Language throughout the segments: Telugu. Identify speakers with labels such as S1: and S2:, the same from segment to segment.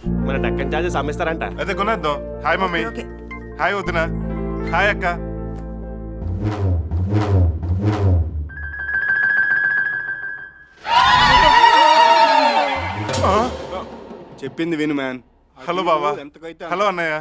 S1: మన డక్కన్ చార్జెస్ అమ్మేస్తారంట.
S2: అయితే కొనేద్దాం. Hi mummy.
S3: ఓకే.
S2: హాయ్ వదిన. హాయ్ అక్క.
S4: చెప్పింది విను మ్యాన్.
S2: హలో బావా.
S4: ఎంతకైతే
S2: హలో అన్నయ్య.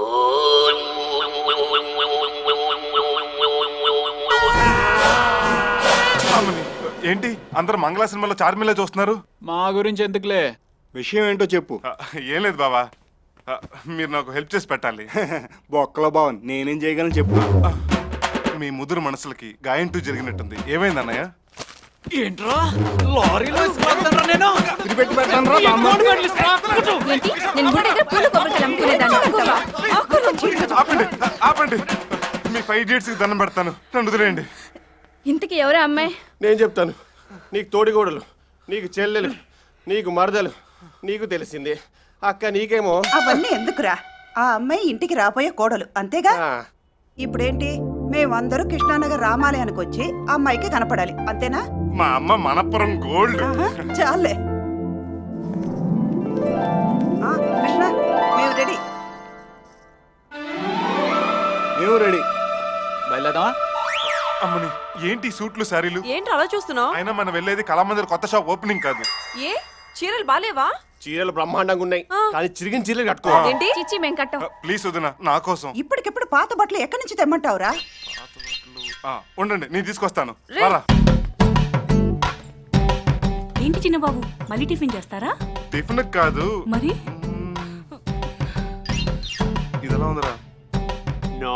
S2: అమ్మని, ఏంటి అందరు మంగళ సినిమాలో చార్మిలా చూస్తున్నారు?
S5: మా గురించి ఎందుకులే,
S4: విషయం ఏంటో చెప్పు.
S2: ఏం లేదు బావా, మీరు నాకు హెల్ప్ చేసి పెట్టాలి.
S4: బొక్కలో బావన్ నేనేం చేయగలను చెప్పు.
S2: మీ ముదురు మనసులకి గాయంటూ జరిగినట్టుంది. ఏమైంది అన్నయ్య?
S5: ఏంట్రా లారీలో ఇసుకెళ్తానురా నేను.
S4: తిరిపెట్టి పెట్టానురా బామ్మ.
S6: ఏంటి నేను గుడి దగ్గర పూల కొబ్బరికాయలు అమ్ముకునేదాన్ని అంటావా?
S2: ఆపండి ఆపండి, మీ 5 ఇడియట్స్ కి దండం పెడతాను, నన్ను వదిలేయండి.
S6: ఇంతకీ ఎవరే అమ్మాయి?
S1: నేను చెప్తాను. నీకు తోడిగోడలు, నీకు చెల్లెలు, నీకు మరదలు, నీకు తెలిసింది. అక్క నీకేమో
S3: అవన్నీ ఎందుకురా? ఆ అమ్మాయి ఇంటికి రాబోయే కోడలు అంతేగా.
S1: ఆ,
S3: ఇప్పుడేంటి, మేమందరూ కృష్ణానగర్ రామాలయానికి వచ్చి ఆ అమ్మాయికి కనపడాలి అంతేనా?
S2: మా అమ్మ మనపురం గోల్డ్.
S3: ఆహా, చాలే. కృష్ణ, మేము రెడీ.
S4: మేము రెడీ.
S5: బయలుదేరదామా?
S2: అమ్మని, ఏంటి ఈ సూట్లు శారీలు?
S7: ఏంటి అలా చూస్తున్నావు?
S2: అయినా మనం వెళ్ళేది కళామందిర్ కొత్త షాప్ ఓపెనింగ్ కాదు.
S7: ఏ చీరలు బాలేవా?
S1: చీరలు బ్రహ్మాండంగా ఉన్నాయి, కానీ చిరిగిన చీరలు కట్టుకో.
S7: ఏంటి
S6: చిచ్చి మేం కట్టం.
S2: ప్లీజ్ వదిన, నా కోసం.
S3: ఇప్పటికిప్పుడు పాత బట్టలు ఎక్కడి నుంచి తెమ్మంటావురా?
S2: ఉండండి, నేను తీసుకొస్తాను.
S7: రే.
S2: రారా.
S8: ఏంటి చిన్నబాబు మళ్ళీ టిఫిన్ చేస్తారా?
S2: టిఫిన్ కాదు,
S8: మరి
S2: ఇది ఎలా ఉందిరా?
S1: నో,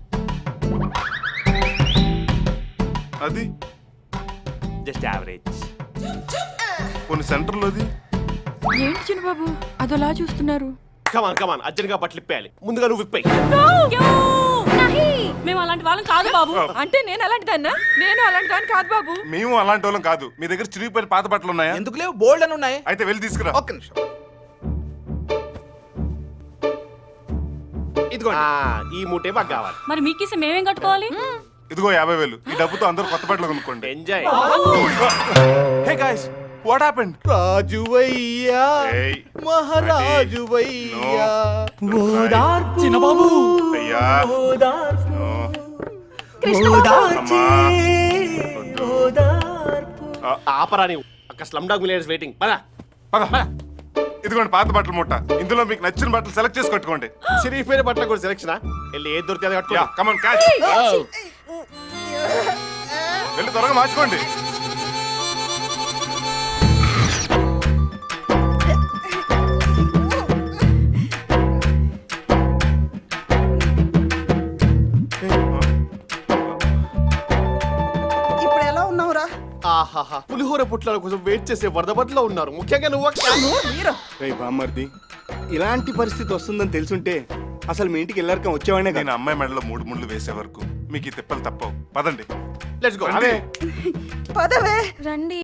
S2: అది
S1: జస్ట్ యావరేజ్.
S2: కొన్ని సెంటర్లోది.
S7: ఏంటి చిన్నబాబు అదోలా చూస్తున్నారు?
S1: కమాన్ కమాన్, అర్జెంట్గా బట్టలు ఇప్పేయాలి. ముందుగా నువ్వు ఇప్పేయి.
S8: మేము అలాంటి వాళ్ళం కాదు బాబు.
S7: అంటే నేను అలాంటి దాన్నా? నేను అలాంటి దాన్ని కాదు బాబు.
S2: మేము అలాంటి వాళ్ళం కాదు. మీ దగ్గర చిరిగిపోయిన పాత బట్టలు ఉన్నాయా?
S5: ఎందుకు లేవు, బోల్డ్ అని ఉన్నాయి.
S2: అయితే వెళ్ళి తీసుకురా.
S5: ఒక్క నిమిషం.
S1: ఇదిగోండి. ఈ మూటే మాకు కావాలి.
S8: మరి మీకేసి మేమేం కట్టుకోవాలి?
S2: ఇదిగో 50,000. ఈ డబ్బుతో అందరూ కొత్త బట్టలు కొనుక్కోండి.
S1: Enjoy.
S2: Hey guys, what happened?
S1: రాజువయ్యా,
S2: ఏయ్,
S1: మహారాజువయ్యా.
S5: చిన్నబాబు
S2: అయ్యా. నో. అమ్మా.
S1: ఆపరా నీవు. అక్కడ స్లమ్ డాగ్ మిలియనర్స్ వెయిటింగ్. పదా
S2: పద. ఇదిగోండి పాత బట్టల మూట. ఇందులో మీకు నచ్చిన బట్టలు సెలెక్ట్ చేసి కట్టుకోండి.
S1: చిరిగిపోయిన బట్టలు కూడా సెలెక్షన్. వెళ్ళి ఏది దొరికితే అది కట్టుకో.
S2: Yeah, come on catch. వెళ్ళి త్వరగా మార్చుకోండి.
S3: ఇప్పుడు ఎలా ఉన్నావురా?
S1: ఆహాహా, పులిహోర పుట్ల కోసం వెయిట్ చేసే వరద బట్టలో ఉన్నారు. ముఖ్యంగా నువ్వు అక్క.
S4: రేయ్ బామ్మర్ది, ఇలాంటి పరిస్థితి వస్తుందని తెలుసుంటే అసలు మీ ఇంటికి వెళ్ళాక వచ్చేవాడినే
S2: నేను
S4: కదా.
S2: అమ్మాయి మెడలో 3 ముళ్ళు వేసే వరకు మీకు ఈ తిప్పలు తప్పవు. పదండి.
S1: Let's go.
S2: రండి.
S3: పదవే.
S6: రండి.